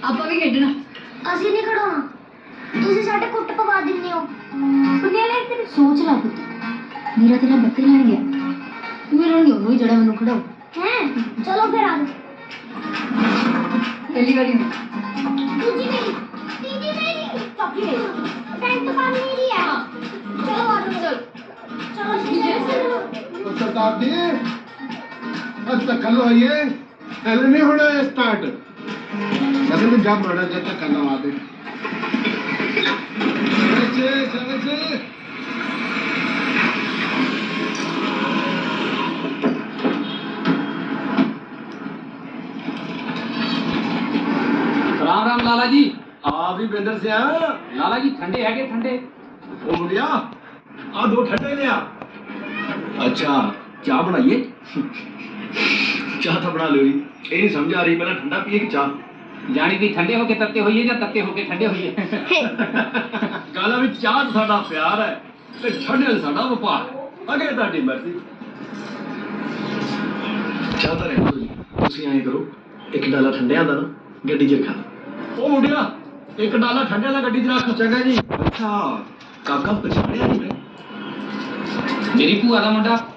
ਆਪਾਂ ਵੀ ਖੇਡਣਾ। ਅਸੀਂ ਨਹੀਂ ਖੜਾਉਣਾ, ਤੁਸੀਂ ਸਾਡੇ ਕੁੱਟ ਪਵਾ ਦਿੰਦੇ ਹੋ। ਪਟਿਆਲੇ ਤੇ ਸੋਚ ਲਾ ਪੁੱਤ, ਮੇਰਾ ਤੇਰਾ ਬੱਤੇ ਲੈਣ ਗਿਆ, ਮੇਰਾ ਨਹੀਂ ਉਹਨੂੰ ਜਿਹੜਾ ਮੈਨੂੰ ਖੜਾਓ हैं चलो फिर आ जाओ। पहली बारी में दूजी मेरी, तीसरी मेरी, चौथी मेरी, फ्रेंड तो काम मेरी है। चलो आ जाओ, चलो चलो। सरदार जी अब तक कल आइए, पहले नहीं होना है स्टार्ट। अरे मैं जब माना जब तक कल आ दे। चले राम राम लाला जी। हाँ भी बिंदर से आया। लाला जी ठंडे है के ठंडे? ओ मुड़िया आ दो ठंडे लिया। अच्छा चाह बनाइए। चाह तो बना लो जी, ये नहीं समझ आ रही पहले ठंडा पिए कि चाह। जानी भी ठंडे होके तत्ते होइए या तत्ते होके ठंडे होइए। गाला भी चाह तो साडा प्यार है ते ठंडे दा साडा व्यापार है। अगे ताडी मर्जी। चाह तो रहने दो जी, तुसी ऐं करो एक डाला ठंडे दा ना गड्डी च रखा। ओ मुंडिया एक डाला ठंडे दा गड्डी च रख। चंगा जी। अच्छा काका पछाणिया नहीं मैं? मेरी भूआ का मुंडा